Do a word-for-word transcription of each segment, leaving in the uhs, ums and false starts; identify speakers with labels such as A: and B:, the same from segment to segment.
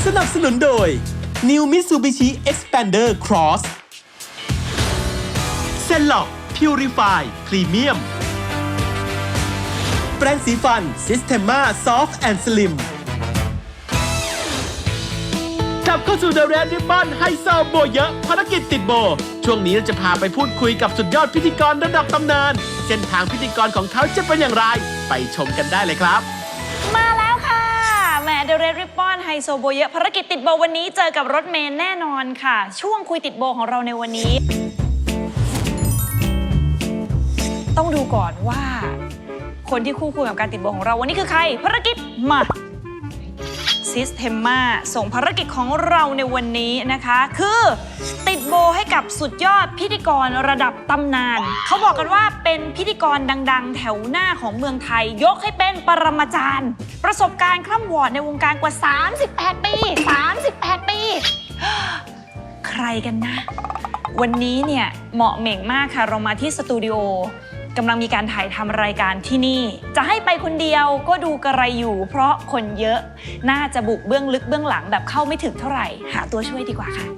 A: สนับสนุนโดย New Mitsubishi Xpander Cross เซนล็อก Purify Premium แปรงสีฟัน Systema Soft and Slim กลับเข้าสู่ The Red Ribbon ไฮโซโบเยอะภารกิจติดโบช่วงนี้เราจะพาไปพูดคุยกับสุดยอดพิธีกรระดับตำนานเส้นทางพิธีกรของเขาจะเป็นอย่างไรไปชมกันได้เลยครับ
B: มาแล้วค่ะแหม The Red Ribbon ไฮโซโบเยอะภารกิจติดโบวันนี้เจอกับรถเมล์แน่นอนค่ะช่วงคุยติดโบของเราในวันนี้ต้องดูก่อนว่าคนที่คู่ควรกับการติดโบของเราวันนี้คือใครภารกิจมาSystema ส่งภารกิจของเราในวันนี้นะคะคือติดโบให้กับสุดยอดพิธีกรระดับตำนานเขาบอกกันว่าเป็นพิธีกรดังๆแถวหน้าของเมืองไทยยกให้เป็นปรมาจารย์ประสบการณ์คร่ำวอร์ดในวงการกว่าสามสิบแปดปีสามสิบแปดปีใครกันนะวันนี้เนี่ยเหมาะเหม่งมากค่ะเรามาที่สตูดิโอกำลังมีการถ่ายทำรายการที่นี่จะให้ไปคนเดียวก็ดูกระไรอยู่เพราะคนเยอะน่าจะบุกเบื้องลึกเบื้องหลังแบบเข้าไม่ถึงเท่าไหร่หาตัวช่วยดีกว่าค่ะ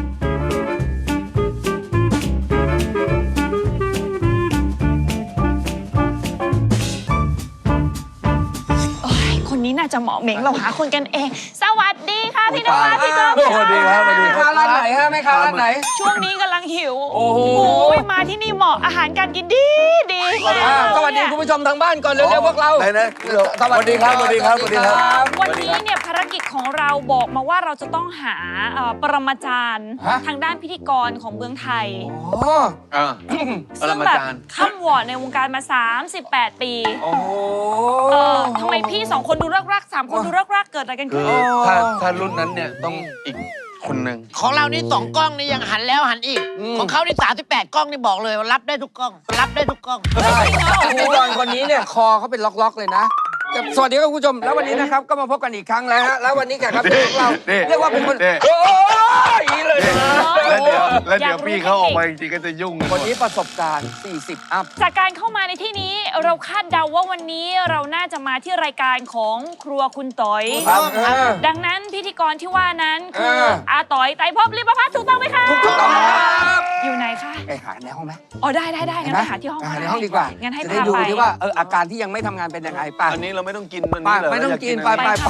B: โอ้ยคนนี้น่าจะเหมาะเหม่งเราหาคนกันเองสวัสดีค่ะพี่นวัดพี่ก้องสวัสดีครับสวัสดีครับ
C: ร้านไหนฮะแม่ค้าร้านไหน
B: ช่วงนี้กำลังหิวโอ้โหมาที่นี่เหมาะอาหารการกินดีดี
C: สวัสดีคุณผู้ชมทางบ้านก่อนเร็วๆพวกเรา
D: ไหนนะสวัสดีครับสวัสดีครับสวัสดีครับ
B: วันนี้เนี่ยภารกิจของเราบอกมาว่าเราจะต้องหาปรมาจารย์ทางด้านพิธีกรของเมืองไทยซึ่งแบบข้ามวอร์ดในวงการมาสามสิบแปดปีทำไมพี่สองคนดูรักๆสามคนดูรักๆเกิดอะไรกันขึ้น
D: ถ้าถ้ารุ่นนั้นเนี่ยต้องอีกคนหนึ่ง
E: ของเรานี่สองกล้องนี่ยังหันแล้วหันอีกของเขานี่สามสิบแปดกล้องนี่บอกเลยว่ารับได้ทุกกล้องรับได้ทุกกล้อง
C: พิธีกรคนนี้เนี่ยคอเขาเป็นล็อกๆเลยนะสวัสดีครับคุณผู้ชมแล้ววันนี้นะครับก็มาพบกันอีกครั้งแล้วฮะแล้ววันนี้แขกรับเชิญของเราเรียกว่าเป็นคนโอ้ยเลยนะ
D: แล้วเดี๋ยวแล้วเดี๋ยวพี่เขาออกมาจริงๆก็จะยุ่ง
C: คนนี้ประสบการณ์สี่สิบอัพ
B: จากการเข้ามาในที่นี้เราคาดเดาว่าวันนี้เราน่าจะมาที่รายการของครัวคุณต๋อยดังนั้นพิธีกรที่ว่านั้นคืออาต๋อยไตรภพลิมพัฒน์ถูกต้องไหมคะ
C: ถูกต้องครับ
B: อยู่ไหนคะ
C: ไปหาในห้องไหม
B: อ๋อได้ได้ได้งั้นไปหาที่ห้อง
C: ในห้องดีกว่า
B: งั้นให้
C: พาไปจะได้ดูที่ว่าเอออาการที่ยังไม่ทำงานเป็นยังไงป่ะ
D: อันนี้เราไม่ต้องกินมันนี่เลย
C: ไม่ต้องกินไปไปไป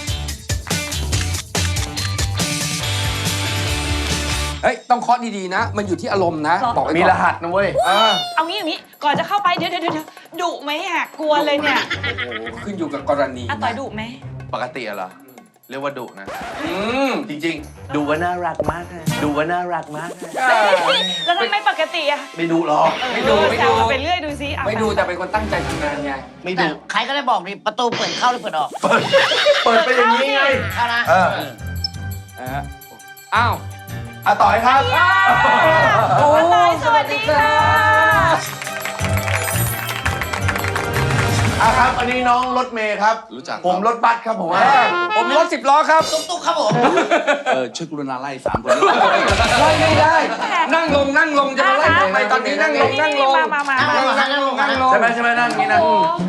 C: เฮ้ยต้องเคาะดีๆนะมันอยู่ที่อารมณ์นะบอก
D: มีรหัสนะเว้ย
B: เอางี้อย่างนี้ก่อนจะเข้าไปเดี๋ยวเดี๋ยวเดี๋ยวดุไหมอ่ะกลัวเลยเนี่ย
C: ขึ้นอยู่กับกรณี
B: อาต๋อยดุไหม
D: ปกติเหรอเรียกว่าดุนะจริงๆดูว่าน่ารักมากเลยดูว่าน่ารักมากเลย
B: แล้วทำไมปกติอะ
D: ไม่ดูหรอก
C: ไม่ดูไม่ดู
B: ไปเรื่อยดูซิ
C: ไม่ดูแต่เป็นคนตั้งใจทำงานไง
D: ไม่ดู
E: ใครก็ได้บอกนี่ประตูเปิดเข้าหรือเปิดออก
D: เปิดเปิดไปอย่างนี้ไง
E: เข้านะ
D: เออ
C: อ้าว
D: อาต่อยครับ
B: อาต่อยสวัสดีค่ะ
D: อ่ะครับอันนี้น้องรถเมย์ครับรู้จักผมรถบัสครับผม
C: ผมรถสิบล้อครับ
E: ตุ๊กๆครับผม
D: เออช่วยกรุณาไล่สามคน
C: ไล่ไม่ได้นั่งลงนั่งลงจะมาไล่ผมไปตอนนี้นั่งลงนั่งลง
B: มามามา
E: นั่งลงนั่งลง
D: ใช่ไหมใช่ไหมนั่งนี้นะ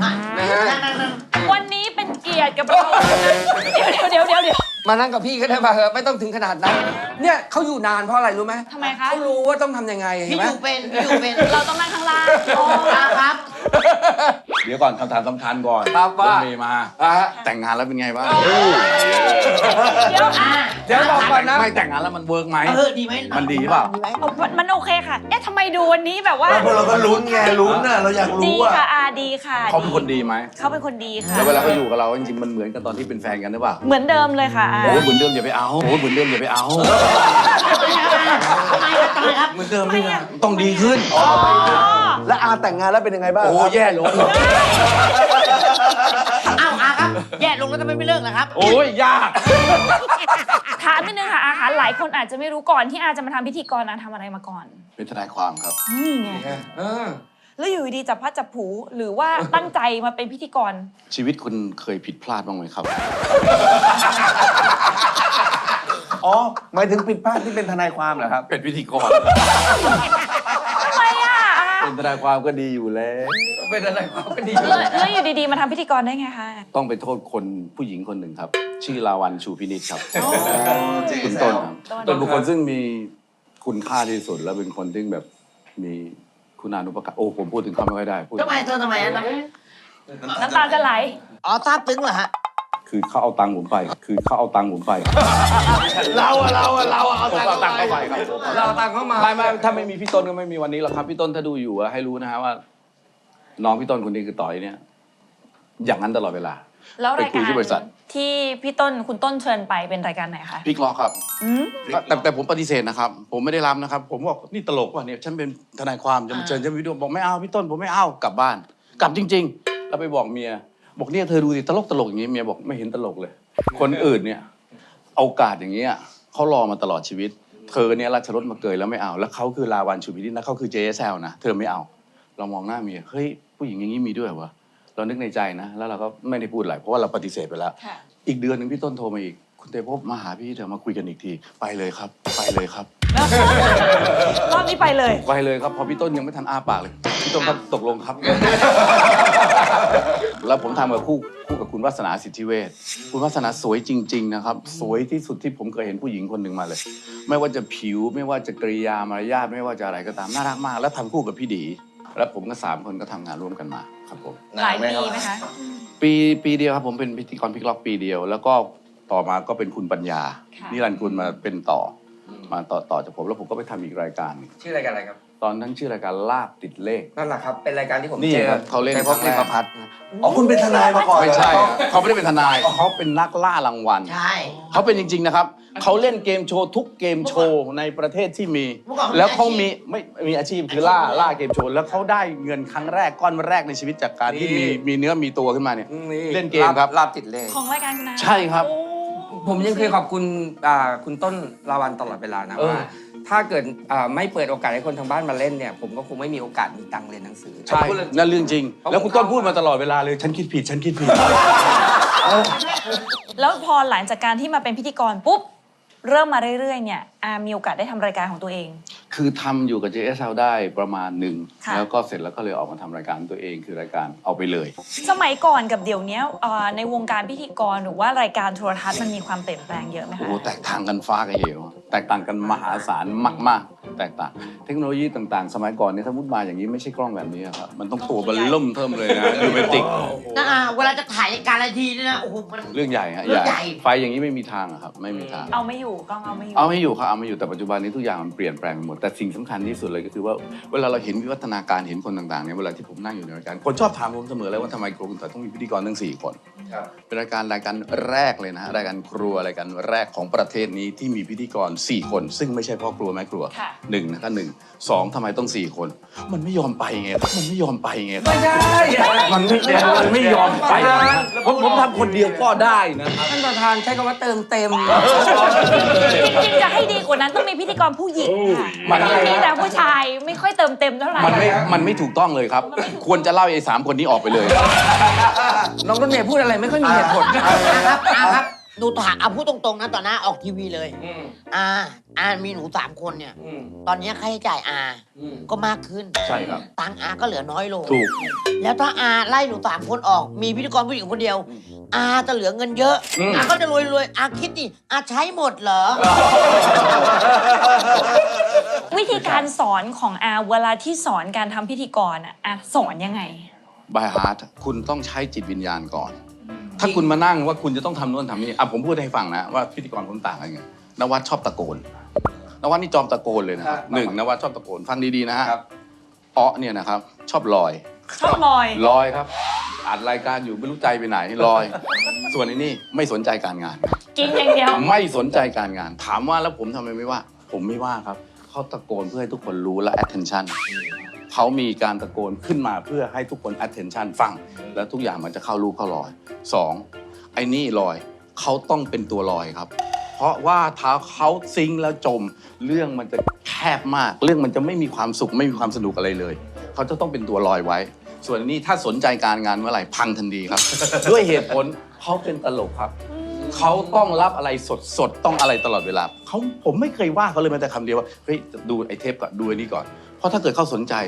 B: วันนี้เป็นเกียรติกับเราเดี๋ยวเดี๋ยวเดี๋ยว
C: มานั่งกับพี่ก็ได้ป่ะเหอะไม่ต้องถึงขนาดนั้นเนี่ยเขาอยู่นานเพราะอะไรรู้ไหม
B: ทำไมคะ
C: เขารู้ว่าต้องทำยังไง
E: พี่อยู่เป็นพี่อยู่เป็น
B: เราต้องนั่งข้างล่าง
E: อ๋อครับ
D: เดี๋ยวก่อนคำถามสำคัญก่อน
C: ครับว่า
D: เมย์มาแต่งงานแล้วเป็นไงบ้าง
B: เดี๋ยว
C: เดี๋ยวบอกก่อนนะ
D: ไม่แต่งงานแล้วมันเวิร์กไหม
E: เออดีไหม
D: มันดีเปล่า
B: มันโอเคค่ะเอ๊ะทำไมดูวันนี้แบบว่า
D: พวกเราก็ลุ้นไงลุ้นน่ะเราอยากรู้
B: ว่าดีค่ะอาดีค่ะ
D: เขาเป็นคนดีไหม
B: เขาเป็นคนดีค่ะ
D: แล้วเวลาเขาอยู่กับเราจริงๆมันเหมือนกันตอนที่เป็นแฟนกันหรือเปล่า
B: เหมือนเดิมเลยค่ะ
D: โอ้เหมือนเดิมอย่าไปเอาโอ้เหมือนเดิมอย่าไปเอา
E: ทำไมครับทำไมครับ
D: เหมือนเดิมนี่ไงต้องดีขึ้นแล้วอาแต่งงานแล้วเป็นยังไงบ้าง
C: โอ้แย่ลง
E: อ้าวอาครับแย่ลงแล้วทำไมไม่เลิกล่ะครับ
D: โอ้ยยาก
B: ถามนิดนึงค่ะอาหารหลายคนอาจจะไม่รู้ก่อนที่อาจะมาทำพิธีกรอาทำอะไรมาก่อน
D: เป็นทนายความครับ
B: นี่ไงแล้วอยู่ดีจับพัดจับผูหรือว่าตั้งใจมาเป็นพิธีกร
D: ชีวิตคุณเคยผิดพลาดบ้างไหมครับอ๋อหมายถึงผิดพลาดที่เป็นทนายความเหรอครับเป็นพิธีกร
B: ทำไมอ่ะ
F: เป็นทนายความก็ดีอยู่แล้ว
C: เป็นอะไรความก็ดี
B: แล้วแล้วอยู่ดีๆมาทำพิธีกรได้ไงคะ
F: ต้องไปโทษคนผู้หญิงคนหนึ่งครับ ชื่อลาวันชูพินิจครับคุณต้นครับเป็นบุคคลซึ่งมีคุณค่าที่สุด แล้วเป็นคนที่แบบมีคุณานุปการโอ้ผมพูดถึงเขาไม่ค่อยได้พูด
E: ทำไมเธอทำไมอะ
B: น้ำตาจะไหล
E: อ๋อซาบซึ้งเหรอฮะ
F: คือเขาเอาตังค์ผมไป คือเขาเอาตังค์ผมไป
D: เราอะเราอะเราอะเอา
F: ผมเอาตังค์เข้าไปครับ
C: เราตังค์เข้ามา
F: ไม่ไม่ถ้าไม่มีพี่ต้นก็ไม่มีวันนี้หรอกครับพี่ต้นถ้าดูอยู่อะให้รู้นะฮะว่า น้องพี่ต้นคนนี้คือต่อยเนี่ย อย่างนั้นตลอดเวลา
B: แล้วราย
F: ไปคุ
B: กาย ร
F: ที่บริษัท
B: ที่พี่ต้นคุณต้นเชิญไปเป็นรายการไหนคะ
F: พี่กลอกครับ
B: อืม
F: แต่แต่ผมปฏิเสธนะครับ ผมไม่ได้รับนะครับ ผมบอกนี่ตลกว่ะเนี่ยฉันเป็นทนายความจะมาเชิญฉันไปดูบอกไม่เอาพี่ต้นผมไม่เอากลับบ้าน กลับจริง ๆ แล้วไปบอกเมีย บอกเนี่ยเธอดูสิตลกตลกอย่างนี้เมียบอกไม่เห็นตลกเลย คนอื่นเนี่ยเอาโอกาสอย่างเงี้ยเขารอมาตลอดชีวิต เธอเนี่ยราชรถมาเกยแล้วไม่เอา แล้วเขาคือลาวันชูพินิจนะเขาคือ เจ เอส แอล นะเธอไม่เอา เรามองหน้าเมียเฮ้ยผู้หญิงอย่างนี้มีด้วยเหรอวะเรานึกในใจนะ แล้วเราก็ไม่ได้พูดอะไรเพราะว่าเราปฏิเสธไปแล้ว
B: ค่ะ
F: อีกเดือนหนึ่งพี่ต้นโทรมาอีก คุณเตพบมาหาพี่เถอะมาคุยกันอีกที ไปเลยครับ ไปเลยครับ
B: รอบนี้ไปเลย
F: ไปเลยครับ พอพี่ต้นยังไม่ทันอ้าปากเลย พี่ต้นก็ตกลงครับ แล้วผมทำกับคู่คู่กับคุณวัฒนาสิทธิเวชคุณวัฒนาสวยจริง ๆ นะครับ สวยที่สุดที่ผมเคยเห็นผู้หญิงคนหนึ่งมาเลย ไม่ว่าจะผิวไม่ว่าจะกริยามารยาทไม่ว่าจะอะไรก็ตามน่ารักมาก แล้วทำคู่กับพี่ดี แล้วผมก็สามคนก็ทำงานร่วมกันมาครับผม
B: หลายปีไหมคะ
F: ปีปีเดียวครับผมเป็นพิธีกรพิกล็อกปีเดียว แล้วก็ต่อมาก็เป็นคุณปัญญา
B: ค่ะ
F: นิรันดร์คุณมาเป็นต่ออมาต่อต่อจากผมแล้วผมก็ไปทำอีกรายการหนึ่ง
C: ชื่อรายการอะไรครับ
F: ตอนนั้นชื่อรายการลาบติดเลข
C: นั่นแหละครับ เป็นรายการที่ผม
F: นี่
C: เจอ
F: ครับเขาเล่น
C: ในพบ
F: ครั้งแรก
C: ในประพัฒน์
F: อ๋อคุณเป็นทนายมาก่อนไม่ใช่ครับเขาไม่ได้เป็นทนายเขาเป็นนักล่ารางวัล
E: ใช่
F: เขาเป็นจริง ๆนะครับเขาเล่นเกมโชว์ทุกเกมโชว์ในประเทศที่มี
E: เมื่อก่อน
F: แล้วเขามีไม่มีอาชีพคือล่าล่าเกมโชว์แล้วเขาได้เงินครั้งแรกก้อนแรกในชีวิตจากการที่มีมีเนื้อมีตัวขึ้นมาเนี่ย เล่นเกมครับ
C: ลาบติดเลข
B: ของรายการคุณนา
F: ใช่ครับ
B: โอ้
C: ผมยังเคยขอบคุณอ่าคุณต้นลาวันตลอดเวลานะ
F: เออ
C: ว่าถ้าเกิดอ่าไม่เปิดโอกาสให้คนทางบ้านมาเล่นเนี่ย ผมก็คงไม่มีโอกาสมีตังค์เรียนหนังสือ
F: ใช่
C: พูดเรื่อง
F: นั่นเรื่องจริง
C: เพราะ
F: แล้วคุณต้นพูดมาตลอดเวลาเลย ฉันคิดผิด ฉันคิดผิด
B: แล้วพอหลังจากการที่มาเป็นพิธีกรปุ๊บ เริ่มมาเรื่อยๆเนี่ยอามีโอกาสได้ทำรายการของตัวเอง
F: คือทำอยู่กับ เจ เอส แอล ได้ประมาณหนึ่ง
B: ค่ะ
F: แล้วก็เสร็จแล้วก็เลยออกมาทำรายการตัวเองคือรายการเอาไปเลย
B: สมัยก่อนกับเดี๋ยวนี้เอ่อในวงการพิธีกรหรือว่ารายการโทรทัศน์มันมีความเปลี่ยนแปลงเยอะไหม
F: โอ้
B: คะ
F: โหแตกต่างกันฟ้ากับเหว แตกต่างกันมหาศาลมากๆ แตกต่าง เทคโนโลยีต่างๆ สมัยก่อนเนี่ยถ้ามุดมาอย่างนี้ไม่ใช่กล้องแบบนี้ครับ มันต้องตัวเบันล่มเทิมเลยนะยูเมติก
E: นะอ่ะเวลาจะถ่ายรายการอะไรทีนี่นะ โอ้โห มัน
F: เรื่องใหญ่ฮะ
E: เรื่องใหญ่
F: ไฟอย่างนี้ไม่มีทางอะครับ ไม่มีทาง
B: เอาไม่อยู่กล้องเอาไม่อยู่
F: เอาไม่อยู่ครับเอาไม่อยู่แต่ปัจจุบันนี้ทุกอย่างมันเปลี่ยนแปลงไปหมดแต่สิ่งสำคัญที่สุดเลยก็คือว่าเวลาเราเห็นวิวัฒนาการเห็นคนต่างๆเนี่ยเวลาที่ผมนั่งอยู่ในรายการคนชอบถามผมเสมอเลยว่าทำไมครัวคุณต่อยต้องมีพิธีกรทั้งสี่คนเป็นรายการรายการแรกเลยนะฮะรายการครัวรายการแรกของประเทศนี้ที่มีพิธีกรสี่คน ซึ่งไม่ใช่พ่อครัวแม่ครัว
B: ค่ะ
F: หนึ่งนะครับหนึ่งสองทำไมต้องสี่คน มันไม่ยอมไปไงครับมันไม่ยอมไปไงครับ
C: ไม่ได้
F: มันไม่มันไม่ยอมไปผมผมทำคนเดียวก็ได้นะ
C: ท่านประธานใช้คำว่าเติมเต็ม
B: จริงๆจะให้ดีกว่านั้นต้องมีพิธีกรผู้หญิงค่ะ
F: มัน
B: มีแต่ผู้ชายไม่ค่อยเติมเต็มเท่าไหร่
F: มันไม่มันไม่ถูกต้องเลยครับ ควรจะเล่าไอ้สามคนนี้ออกไปเลย
C: น้องรถเมย์พูดอะไรไม่ค่อยมีเหตุผล
E: อาครับอาครับ ดูถามเอาพูดตรงๆนะต่อหน้าออกทีวีเลย อาอามีหนูสามคนเนี่ย ตอนนี้ค่าใช้จ่ายอาก็มากขึ้น
F: ใช่ครับ
E: ตังค์อาก็เหลือน้อยลง
F: ถูก
E: แล้วถ้าอาไล่หนูสามคนออก มีพิธีกรผู้หญิงคนเดียว อาจะเหลือเงินเยอะ
F: อืม
E: อาก็จะรวยรวยๆอาคิดดิอาใช้หมดเหรอ
B: วิธีการสอนของอาเวลาที่สอนการทำพิธีกรอ่ะอาสอนยังไง
F: บายฮาร์ดคุณต้องใช้จิตวิญญาณก่อน ถ้าคุณมานั่งว่าคุณจะต้องทำโน่นทำนี่อ่ะผมพูดให้ฟังนะว่าพิธีกรผมต่างกันไงนวัดชอบตะโกนนวัดนี่จอมตะโกนเลยนะครับหนึ่งนวัดชอบตะโกนฟังดีๆนะฮะ
C: ครับ
F: อ้อเนี่ยนะครับชอบลอย
B: ชอบลอย
F: ลอยครับอัดรายการอยู่ไม่รู้ใจไปไหนลอย ส่วนไอ้นี่ไม่สนใจการงาน
B: กินอย่างเดียว
F: ไม่สนใจการงาน ถามว่าแล้วผมทำไมไม่ว่า ผมไม่ว่าครับเขาตะโกนเพื่อให้ทุกคนรู้และ attention เขามีการตะโกนขึ้นมาเพื่อให้ทุกคน attention ฟัง แล้วทุกอย่างมันจะเข้ารูเข้ารอยสองไอ้นี่ลอยเขาต้องเป็นตัวลอยครับ เพราะว่าถ้าเขาซิงค์แล้วจม เรื่องมันจะแคบมาก เรื่องมันจะไม่มีความสุขไม่มีความสนุกอะไรเลย เขาจะต้องเป็นตัวลอยไว้ ส่วนอันนี้ถ้าสนใจการงานเมื่อไหร่พังทันทีครับ ด้วยเหตุผลเขาเป็นตลกครับ เขาต้องรับอะไรสดสดๆต้องอะไรตลอดเวลาเขาผมไม่เคยว่าเขาเลยแม้แต่คำเดียวว่าเฮ้ยดูไอ้เทปก่อนดูไอ้นี่ก่อน เพราะถ้าเกิดเขาสนใจ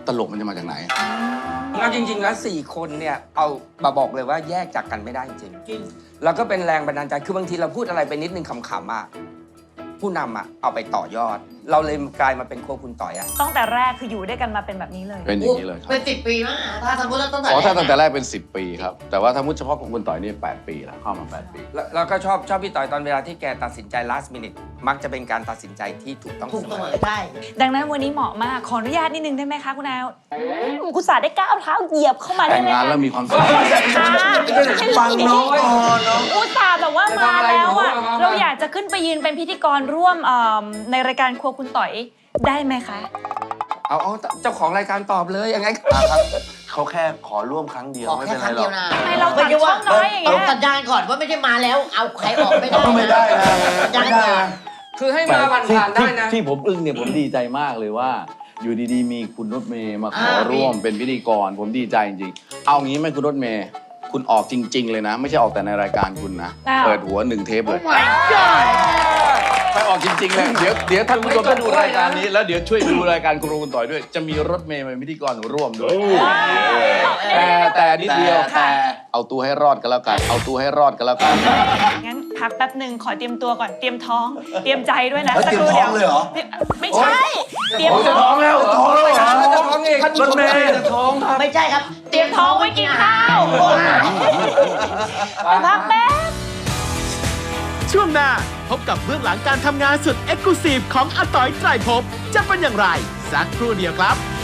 F: ตลกมันจะมาจากไหน
C: เอาจริงๆแล้วสี่คนเนี่ยเอามาบอกเลยว่าแยกจากกันไม่ได้จริงแล้วก็เป็นแรงบันดาลใจคือบางทีเราพูดอะไรไปนิดนึงขำๆอ่ะผู้นำอ่ะเอาไปต่อยอด เราเลยกลายมาเป็นครัวคุณต่อยอ่ะ
B: ตั้งแต่แรกคืออยู่ด้วยกันมาเป็นแบบนี้เลย
F: เป็นอย่างนี้เลยครับ
E: เป็นสิบปีมากถ้าสมมติเราตั้งแต่
F: อ๋อถ้า
E: แร
F: ตั้
E: ก
F: งแต่แรกเป็น สิบ ปีครับ แต่ว่าถ้ามุดเฉพาะของคุณต่อยนี่แปดปีแล้วเข้ามาแปดปี
C: แล้วแล้วก็ชอบชอบพี่ต่อยตอนเวลาที่แกตัดสินใจ last minute มักจะเป็นการตัดสินใจที่ถูกต้อง
E: ถูก
C: เส
E: เส
C: ม
E: ม
C: อ
E: อได้
B: ดังนั้นวันนี้เหมาะมาก ขออนุญาตนิดนึงได้ไหมคะคุณแอลคุณสาได้ก้าวเท้าเหยียบเข้ามาได้
F: แต่ง
B: ไหม
F: งาน
B: คะ
F: แล้วมีความสุข
C: ฟังน้องก่อนเนาะ
B: อุตส่าห์แบบว่ามาแล้วอ่ะ
C: จะทำอะไรหนูอะ
B: เราอยากจะขึ้นไปยืนเป็นพิธีกรร่วมเอิ่มในรายการครัวคุณต่อยได้ไหมคะ
C: เอาเอาเจ้าของรายการตอบเลยยังไง
D: อ่ะครับเขาแค่ขอร่วมครั้งเดียว
E: ขอ
D: ไม่
E: แค่
D: เป็น
E: ค
D: ไร
E: รั้ง
D: หร
E: เดี
D: อย ก
E: วนะ
B: ทำไมเราตัดช่องน้อยอย่างเงี้ย
E: ต้องสัญญาณก่อนว่าไม่ใช่มาแล้ว เอาใครออกไม่ได้
G: ไม่ได้นะ
E: สัญญาณก่อน
C: คือให้มาผ่านผ่านๆได้นะ
F: ที่ผมอึ้งเนี่ยผมดีใจมากเลยว่า อยู่ดีๆ มีคุณรถเมย์มาขอร่วมเป็นพิธีกร ผมดีใจจริงๆ เอางี้ไหมคุณรถเมย์คุณออกจริง ๆ เลยนะ ไม่ใช่ออกแต่ในรายการคุณนะ
B: อ้าว
F: เปิดหัวหนึ่งเทปเลยไปออกจริงๆเลยเดี๋ยวเดี๋ยวท่านผู้ชมถ้าดูรายการนี้แล้วเดี๋ยวช่วยดูรายการครูคุณต่อยด้วย จะมีรถเมย์เป็นพิธีกรร่วมด้วย แต่แต่นิดเดียวแต่เอาตัวให้รอดกันแล้วกัน เอาตัวให้รอดกันแล้วกัน
B: งั้นพักแป๊บหนึ่งขอเตรียมตัวก่อนเตรียมท้อง เตรียมใจด้วยนะ
G: เฮ้ย
B: สักครู่
G: เตรี
B: เดี
G: ย
B: ยว
G: มท้องเลยเหรอ
B: ไม่ใช่ เตรียม
F: จะ
B: ท้
F: ท้
B: อ
F: อง งแล้วท้องแล้วเหรอ
C: จะท้องเอง
F: รถเมย์จะท้องครับ
E: ไม่ใช่ครับ
B: เตรียมท้องไว้กินข้าวไปพักแป๊บ
A: ช่วงหน้าพบกับเบื้องหลังการทำงานสุดเอ็กซ์คลูซีฟของอาต๋อยไตรภพจะเป็นอย่างไร สักครู่เดียวครับ